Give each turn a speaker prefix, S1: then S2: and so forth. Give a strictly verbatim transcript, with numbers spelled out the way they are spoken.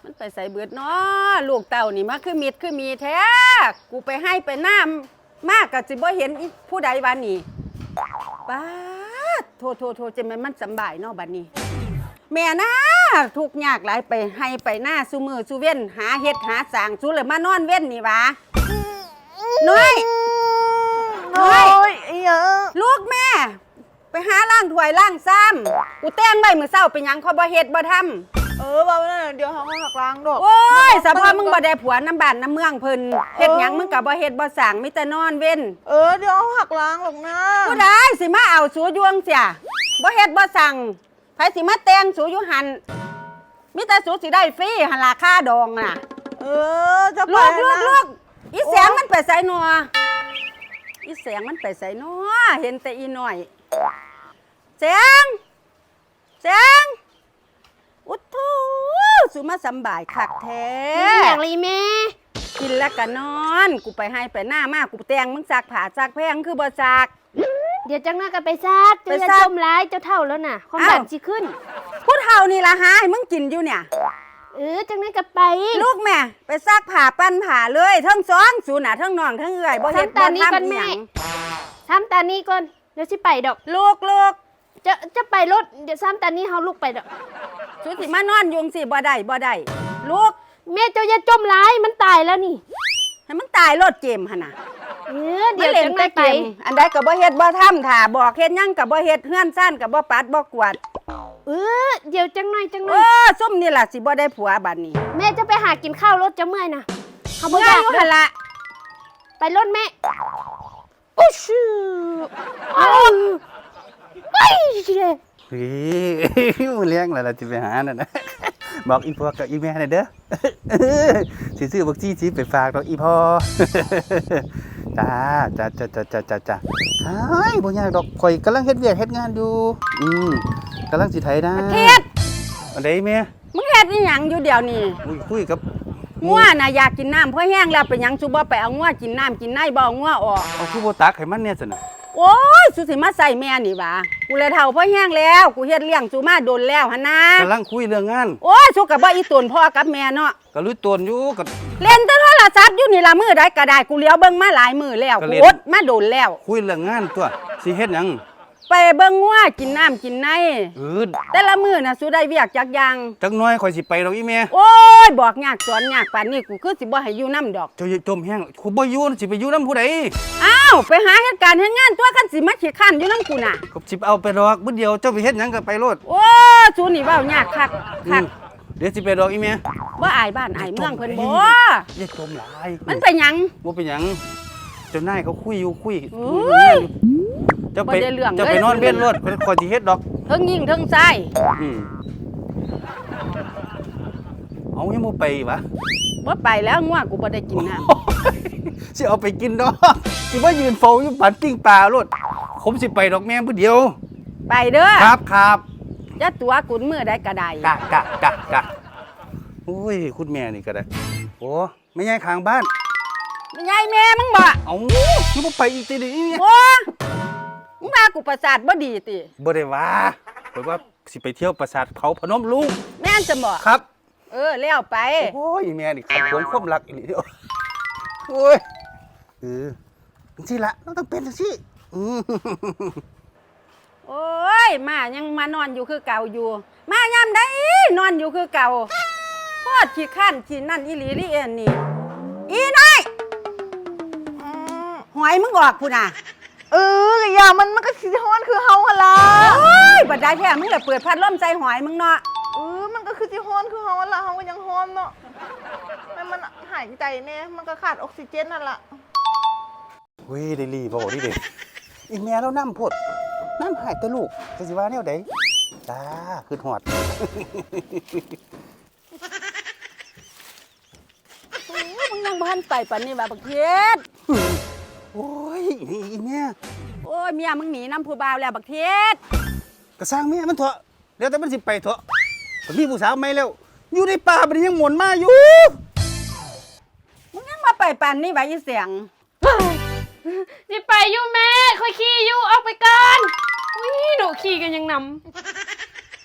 S1: มันไปใส่เบิดเนาะลูกเต่านี่มาคือมิดคือมีแท้กูไปให้ไปน้ำมากกะสิบ่เห็นผู้ใดวันนี้ป้าโทโทโทจะมันมันสบายเนาะบัดนี้แม่นะทุกยากหลายไปให้ไปหน้าซูมือซูเว้นหาเฮ็ดหาสางซูเลยมานอนเว้นนี่วะน้อยน้อยลูกแม่ไปหาล้างถ้วยล้างซ้ำกูแต่งใบมือเศร้าเป็นหยังเขาบ่เฮ็ดบ่ทำ
S2: เออบ่นั่นเดี๋ยวเขาหักล้างดอก
S1: โอ้ยสะพอมึงบ่ได้ผัวน้ำบ้านน้ำเมืองเพิ่นเฮ็ดหยังมึงก็บ่เฮ็ดบ่สร้างมีแต่นอนเว้น
S2: เออเดี๋ยวเขาหักล้างหรอกนะ
S1: ผู้ใดสิมาเอาสูยวงเสียบ่เฮ็ดบ่สั่งไผสิมาแต่งสูอยู่หันมีแต่สูสิได้ฟรีหันราคาดองน่ะ
S2: เออจะไป
S1: ลูกลูก
S2: นะ
S1: ลูกอีแสงมันไปไสนัวอีแสงมันไปไสนัวเห็นแต่อีน้อยแสงแสงอุดทูสูมาสำบายคักแท้
S3: อย่างไรแม่
S1: กินแล้วก็นอนกูไปให้ไปหน้ามากกูแต่งมึงซักผ้าซักแพงคือบ่ซัก
S3: เดี๋ยวจังหน้ากันไปซักเจ้าจะจมร้ายเจ้าเท่าแล้วน่ะความดันสิขึ้น
S1: ผู้เท่านี่ละหาให้มึงกินอยู่เนี่ย
S3: เออจังหน้ากันไป
S1: ลูกแม่ไปซักผ้าปั้นผ้าเลยทั้งซ้อนสูน่ะทั้งน้องทั้งเอื่อยบ่เฮ็ดบ่ทำเมียง
S3: ทำตานี้ก่อนเดี๋ยวสิไปดอก
S1: ลูกลูก
S3: จะจะไปรถเดี๋ยวซ้ำตานี้เฮาลูกไปดอก
S1: สูสิมานอนยุงสิบ่ได้บ่ได้ลูก
S3: แม่เจ้าอย่าจมร้ายมันตายแล้วนี่
S1: ให้มันตายรถเกมหั่นน่ะ
S3: เออเดี๋ยวจังได๋ไป
S1: อันใดก็บ่เฮ็ดบ่ทำถ้าบอกเฮ็ดหยังก็บ่เฮ็ดเฮือนซ่านก็บ่ปัดบ่กวาด
S3: เออเดี๋ยวจังหน่อยจังหน่
S1: อยเออซุ่มนี่ล่ะสิบ่ได้ผัวบัดนี้
S3: แม่จะไปหากินข้าวรถจะเมื่อยนะ
S1: เฮาบ่อยากหั่นล่ะ
S3: ไปรถแม่อุ๊ชื่ออ้าวไปเด้
S4: เฮ้ยมึงเลี้ยงแล้วล่ะสิไปหานั่นน่ะบอกอีพ่อกับอีแม่น่ะเด้อสิซื้อบักจี้สิไปฝากดอกอีพ่อจ้าจ้าจ้าจ้าจ้าจ้าจ้าเฮ้ยบ่ยากดอกข่อยกำลังเฮ็ดเวียกเฮ็ดงานอยู่อืมกำลังสิไถนา
S1: เทศ
S4: อันใดแม่
S1: มึงเฮ็ดอีหยังอยู่เดี๋ยวนี้
S4: อุ้ยคุยกับ
S1: งัวน่ะอยากกินน้ำเพราะแห้งแล้วเป็นหยังสุบ่ไปเอางัวกินน้ำกินในบ่เอางัวออก
S4: เอาคือบ่ตักให้มันเนี่ยซั่นน่ะ
S1: โอ้ยสุสิมาใส่แม่นี่หว่ากูเลยเฒ่าเพราะแห้งแล้วกูเฮ็ดเลี้ยงสุมาโดนแล้วหั่นนะ
S4: กำลังคุยเรื่องงาน
S1: โอ้ยสุก็บ่อีตุนพ่อกับแม่เนาะ
S4: ก็รู้ตนอยู่ก็
S1: เล่นแต่โทรศัพท์อยู่นี่ล่ะมื้อใดก็ได้กูเลี้ยวเบิ่งมาหลายมื้อแล้วกูอดมาโดนแล้ว
S4: คุยเรื่องงานตัวสิเฮ็ดหยัง
S1: ไปเบิ่งงัวกินน้ำกินใน
S4: เออ
S1: แต่ละมื้อน่ะสุได้เวียกจักอย่าง
S4: จักหน่อยข่อยสิไปดอกอีแม่
S1: โอ้ยบอกยากสอนยากปานนี้กูคือสิบ่ให้อยู่นำดอก
S4: เจ้าอย่าจมแห้งกูบ่อยู่สิไปอยู่นำผู้ใด
S1: อ้าวไปหาเหตุการณ์เฮ็ดงานตัวคันสิมาขี้ข้านอยู่นำกูน่ะ
S4: ก็สิเอาไปดอกมื้อเดียวเจ้าไปเฮ็ดหยังก็ไปโลด
S1: โอ้สูนี่เว้ายากคักคัก
S4: เดี๋ยวสิไปดอกอีแม่
S1: บ่อายบ้านอายเมืองเพิ่นบ่
S4: อย่าจมหลาย
S1: มันเป็นหยัง
S4: บ่เป็นหยังเจ้านายเขาคุยอยู่คุยเจ้าไป
S1: เ
S4: จ้าไปนอนเว้นรถเพิ่นขอสิเฮ็ดดอก
S1: เทิงยิงเทิงชาย
S4: อืมเอายังบ่ไปวะ
S1: บ่ไปแล้วงัวกูบ่ได้กินน้
S4: ำสิเอาไปกินดอกสิมายืนเฝ้าอยู่ปันปิ้งปลารถผมสิไปดอกแม่ผู้เดียว
S1: ไปเด้อ
S4: ครับครับ
S1: จะตัวกุนมื้อใดก็ได้
S4: กะกะกะกะโอ้ยคุณแม่นี่ก็ได้โอ้ไม่ใช่ข้างบ้าน
S1: ไม่ใช่แม่มึงบ่
S4: เอ้าคือบ่ไปอีกติดิ
S1: โอ้มึงว่ากูประสาทบ่ดีติ
S4: บ่ได้ว่าข่อยว่าสิไปเที่ยวปราสาทเขาพนมรุ้ง
S1: แม่นจะบ่
S4: ครับ
S1: เออแล้วไป
S4: โอ้ยแม่นี่ขัดขวางความรักอีหลีเด้อโอ้ยเออจังซี่ล่ะเราต้องเป็นจังซี่อือ
S1: โอ้ยมายังมานอนอยู่คือเก่าอยู่มายามใดนอนอยู่คือเก่าโคตรขี้ข้านขี้นั่นอีหลีนี่เอ็นนี่อีน้อยหอยมึงออกพุ่นน่ะ
S2: เอออย่ามันมันก็สิฮ้อนคือเฮาหั่นล่ะ
S1: โอ้ยบัดได้แท้มึงเลยเปิดพัดลมใส่หอยมึงเนาะ
S2: เออมันก็คือสิฮ้อนคือเฮาหั่นล่ะเฮาก็ยังฮ้อนเนาะแม่มันหายใจแน่มันก็ขาดออกซิเจนนั่นล่ะ
S4: เฮ้ยได้รีบ่ดิเด้อีแม่เรานำโพดน้ำหายแต่ลูกจะสิว่าแนวใดจ้าคือหอด
S1: มึงยังบ้านไปปันนี่แบบบักเทศ
S4: โอ้ยอีแม่
S1: โอ้ยเมียมึงหนีน้ำผู้บ่าวแล้วบักเทศ
S4: กระสร้างแม่มันเถอะเดี๋ยวแต่มันสิไปเถอะผมมีผู้สาวไม่แล้วอยู่ในป่ามันยังหมุนมาอยู่
S1: มึงยังมาไปปันนี่ไว้เสียง
S3: สิไปอยู่แม่ค่อยขี่อยู่ออกไปก่อนอุ้ยหนูขี่กันยังนำ